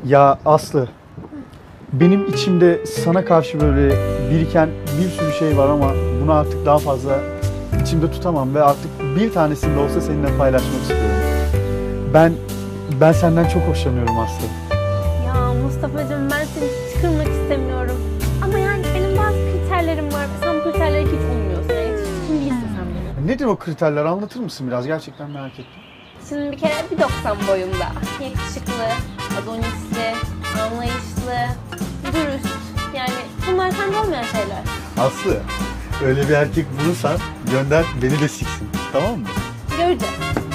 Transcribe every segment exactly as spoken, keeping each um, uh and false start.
Ya Aslı, benim içimde sana karşı böyle biriken bir sürü şey var ama bunu artık daha fazla içimde tutamam ve artık bir tanesini de olsa seninle paylaşmak istiyorum. Ben ben senden çok hoşlanıyorum Aslı. Ya Mustafa'cığım ben seni hiç kırmak istemiyorum. Ama yani benim bazı kriterlerim var. Sen bu kriterlere hiç uymuyorsun. Yani hiç kim değilsin sen benim. Nedir o kriterler, anlatır mısın biraz? Gerçekten merak ettim. Şimdi bir kere bir doksan boyunda. Yakışıklı, adonisli, anlayışlı, dürüst. Yani bunlar sende olmayan şeyler. Aslı, öyle bir erkek bulursan gönder beni de siksin. Tamam mı? Göreceğiz.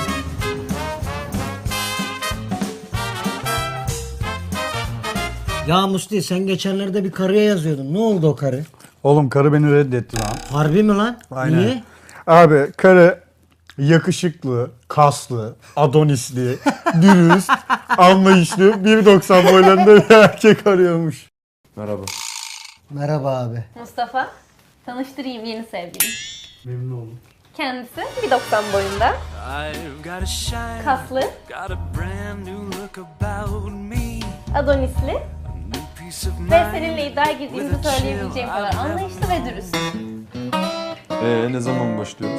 Ya Musti sen geçenlerde bir karıya yazıyordun. Ne oldu o karı? Oğlum karı beni reddetti lan. Harbi mi lan? Aynen. Niye? Abi karı yakışıklı, kaslı, adonisli, dürüst, anlayışlı, bir doksan boylarında bir erkek arıyormuş. Merhaba. Merhaba abi. Mustafa, tanıştırayım yeni sevgilim. Memnun oldum. Kendisi bir doksan boyunda, I've got a shine, kaslı, got a brand new look about me. adonisli A new peace of ve mind. seninle iddiaya girdiğimizi söyleyebileceğim kadar anlayışlı ve dürüst. Ee ne zaman başlıyoruz?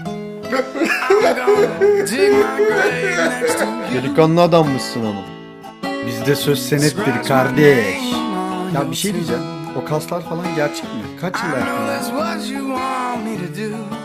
Dig my grave next to you. Delikanlı adammışsın ama. Bizde söz senettir kardeş. Ya bir şey diyeceğim. O kaslar falan gerçek mi? Kaç yıl I know yaptın? that's what you want me to do.